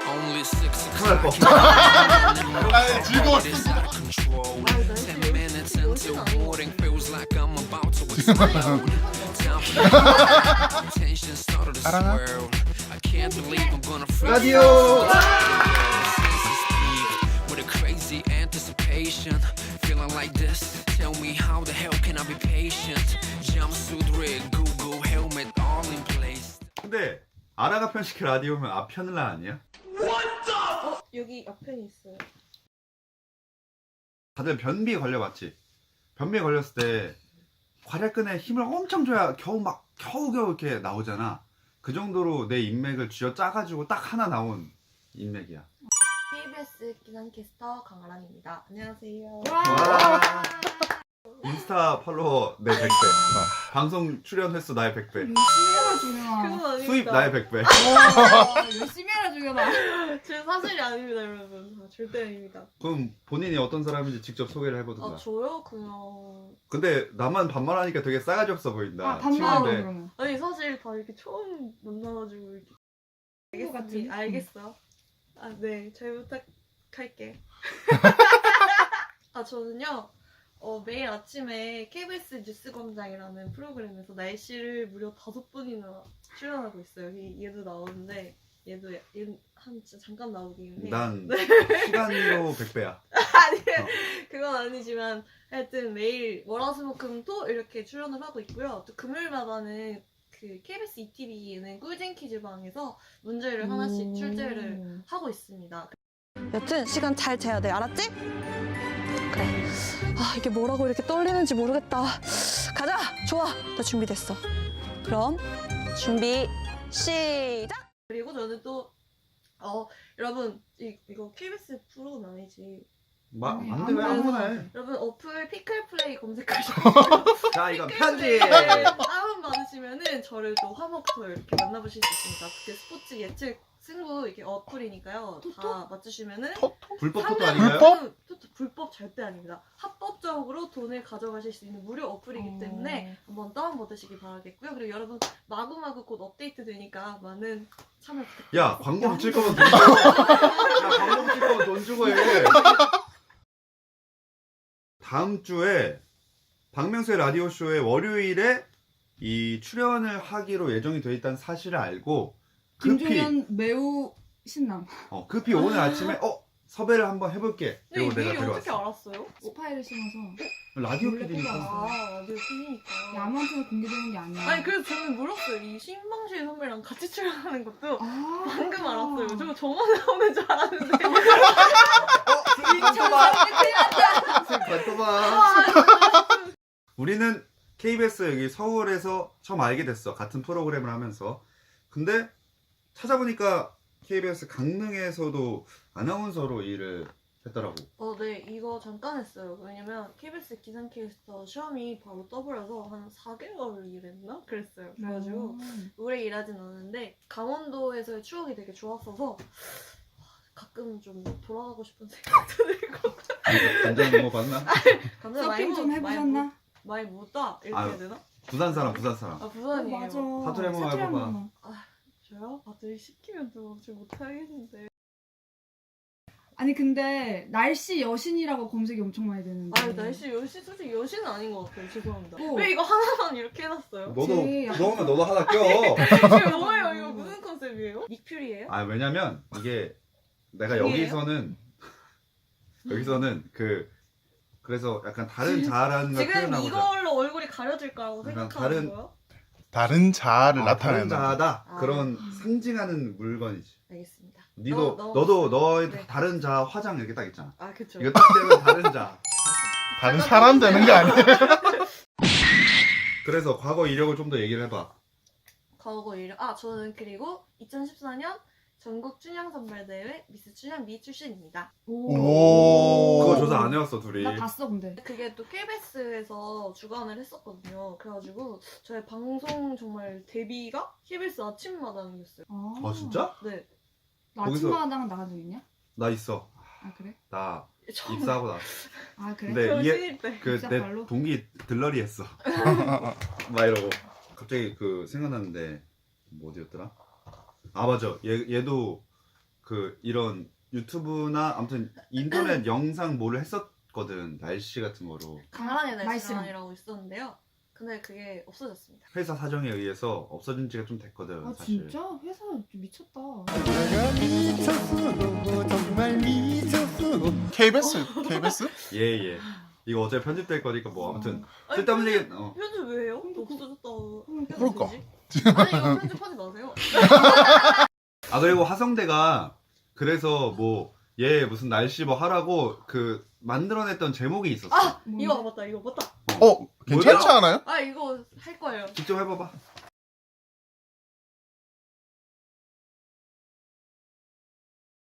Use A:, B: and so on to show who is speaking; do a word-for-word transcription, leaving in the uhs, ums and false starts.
A: 큰일 날 거.
B: 아, 즐거웠어.
C: 알아나?
A: 라디오.
D: Feeling like this, tell me how the hell can I be patient? Jumpsuit rig, Google helmet, all in place.
A: 근데 아라가 편식해 라디오면 아편을라 아니야?
E: 어, 여기 앞편이 있어요.
A: 다들 변비 걸려봤지? 변비 걸렸을 때 괄약근에 힘을 엄청 줘야 겨우 막 겨우겨우 이렇게 나오잖아. 그 정도로 내 인맥을 쥐어 짜가지고 딱 하나 나온 인맥이야.
E: 케이비에스 기상캐스터 강아란입니다. 안녕하세요.
A: 와. 인스타 팔로워 내 백 배, 방송 출연 횟수 나의 백 배,
F: 열심히 해라 주경아.
E: 그건 아닙니다.
A: 수입 나의 백 배.
F: 와, 열심히 해라 주경아.
E: 제 사실이 아닙니다, 여러분. 아, 절대 아닙니다.
A: 그럼 본인이 어떤 사람인지 직접 소개를 해보든가.
E: 아, 저요? 그냥.
A: 근데 나만 반말하니까 되게 싸가지 없어 보인다.
F: 아, 반말로
A: 친구인데.
F: 그러면.
E: 아니, 사실 다 이렇게 처음 만나가지고 이렇게.
F: 친구 같은.
E: 알겠습니다. 알겠어. 아, 네. 잘 부탁할게. 아, 저는요. 어, 매일 아침에 케이비에스 뉴스광장이라는 프로그램에서 날씨를 무려 다섯 번이나 출연하고 있어요. 여기 얘도 나오는데 얘도 얘, 한 진짜 잠깐 나오긴 해요.
A: 난 시간으로 백 배야.
E: 아니,
A: 어.
E: 그건 아니지만 하여튼 매일 월화수목금토 이렇게 출연을 하고 있고요. 또 금요일마다는 그 케이비에스 이티비 예능 꿀잼 퀴즈방에서 문제를 하나씩 출제를 하고 있습니다. 여튼 시간 잘 재야 돼. 알았지? 그래. 아, 이게 뭐라고 이렇게 떨리는지 모르겠다. 가자. 좋아. 나 준비됐어. 그럼 준비 시작. 그리고 저는 또 어, 여러분 이, 이거 케이비에스 프로는 아니지.
A: 마,
F: 아니,
A: 안 돼, 왜 아무거나 해.
E: 여러분 어플 피클플레이 검색하시고
A: 자, 이건 편지!
E: 다운 받으시면은 저를 또 화목토 이렇게 만나보실 수 있습니다. 그게 스포츠 예측 승부 이게 어플이니까요. 다 맞추시면은
A: 불법 토토
E: 삼 년
A: 아닌가요?
E: 동안 토토 불법 절대 아닙니다. 합법적으로 돈을 가져가실 수 있는 무료 어플이기 때문에 한번 다운 받으시기 바라겠고요. 그리고 여러분 마구마구 곧 업데이트 되니까 많은 참여 부탁드립니다.
A: 야, 광고 붙일 거면 돈 주고. 야, 광고 붙일 거면 돈 주고 해. 다음 주에 박명수의 라디오쇼의 월요일에 이 출연을 하기로 예정이 돼 있다는 사실을 알고 급히
F: 김종현 매우 신남.
A: 어, 급히 오늘 아침에 어 섭외를 한번 해볼게.
E: 근데 이
A: 그리고 내가
E: 미리 어떻게
A: 들어왔어.
E: 알았어요?
F: 스파이를 심어서.
A: 라디오
F: 몰래
A: 피디니까.
F: 뽑아왔어.
E: 아, 라디오 피니까.
F: 야, 아무한테나 공개되는 게 아니야.
E: 아니 그래서 저는 몰랐어요. 이 신방실 선배랑 같이 출연하는 것도
F: 아,
E: 방금 알았어요. 저 저만 나오는 줄 알았는데.
A: 발톱아. 우리는 케이비에스 여기 서울에서 처음 알게 됐어. 같은 프로그램을 하면서. 근데 찾아보니까 케이비에스 강릉에서도 아나운서로 일을 했더라고.
E: 어, 네, 이거 잠깐 했어요. 왜냐면 케이비에스 기상캐스터 시험이 바로 떠버려서 한 사 개월 일했나? 그랬어요. 그래가지고 오래 일하진 않았는데 강원도에서의 추억이 되게 좋았어서 가끔 좀 돌아가고 싶은 생각도 들고.
A: 간장 먹어봤나?
E: 감자
F: 서핑 좀 해보셨나?
E: 많이 묻다 이렇게
A: 아유.
E: 해야 되나?
A: 부산 사람, 부산 사람.
E: 아
F: 어,
E: 부산이에요.
F: 맞아.
A: 사투리 한번
F: 사투리
A: 해봐봐.
F: 한번.
E: 저요? 아, 늘 시키면 또 잘 못하겠는데.
F: 아니 근데 날씨 여신이라고 검색이 엄청 많이 되는데.
E: 아, 날씨 여신 솔직히 여신은 아닌 것 같아요. 죄송합니다.
F: 어.
E: 왜 이거 하나만 이렇게 해놨어요?
A: 너도
F: 제 약간-
A: 그러면 너도 하나 껴.
E: 이거 뭐예요? 이거 무슨 컨셉이에요? 닉퓨리예요?
A: 아 왜냐면 이게 내가
E: 중이에요?
A: 여기서는 여기서는 그 그래서 약간 다른 자아라는 걸
E: 지금
A: 표현하고자.
E: 이걸로 얼굴이 가려질 거라고
A: 약간
E: 생각하는
A: 다른-
E: 거예요?
C: 다른 자아를
A: 아,
C: 나타내는.
A: 다른 자아다
E: 아.
A: 그런 상징하는 물건이지.
E: 알겠습니다.
A: 니도
E: 너- 너-
A: 너도 너의
E: 네.
A: 다른 자아 화장 이렇게 딱 있잖아.
E: 아, 그쵸.
A: 이거 딱 되면 다른 자아.
C: 다른 사람 되는 게 아니에요.
A: 그래서 과거 이력을 좀 더 얘기를 해봐.
E: 과거 일. 아, 저는 그리고 이천십사 년 전국 춘향 선발대회 미스 춘향 미 출신입니다.
C: 오.
A: 그거 조사 안 해왔어 둘이.
F: 나 봤어 근데.
E: 그게 또 케이비에스에서 주관을 했었거든요. 그래가지고 저의 방송 정말 데뷔가 케이비에스 아침마당이었어요.
F: 아,
A: 어 진짜?
E: 네.
F: 나
A: 거기서-
F: 아침마당 나간 적 있냐?
A: 나 있어.
F: 아 그래?
A: 나
E: 처음
A: 입사하고 나.
F: 아 그래?
A: 근데
E: 저
A: 이게
E: 신입 때.
A: 그
F: 입사
A: 내
F: 발로?
A: 동기 들러리 했어. 막 이러고 갑자기 그 생각났는데 뭐 어디였더라? 아 맞아. 얘 얘도 그 이런 유튜브나 아무튼 인터넷 영상 뭐를 했었거든. 날씨 같은 거로.
E: 강한의
F: 날씨랑.
E: 날씨랑이라고 있었는데요. 근데 그게 없어졌습니다.
A: 회사 사정에 의해서 없어진 지가 좀 됐거든.
F: 아
A: 사실.
F: 진짜? 회사 좀 미쳤다.
C: 케이비에스 케이비에스
A: 예, 예. 이거 어차피 편집될 거니까 뭐 아무튼
E: 아니,
A: 쓸데없는
E: 편집-
A: 얘기 어.
E: 편집 왜 해요? 없어졌다고.
C: 그럴까?
E: 아니 이거 편집하지 마세요.
A: 아 그리고 화성대가 그래서 뭐 얘 무슨 날씨 뭐 하라고 그 만들어냈던 제목이 있었어.
E: 아
F: 뭔데?
E: 이거 맞다 이거 맞다.
C: 어 괜찮지 않아요?
E: 아 이거 할 거예요.
A: 직접 해봐봐.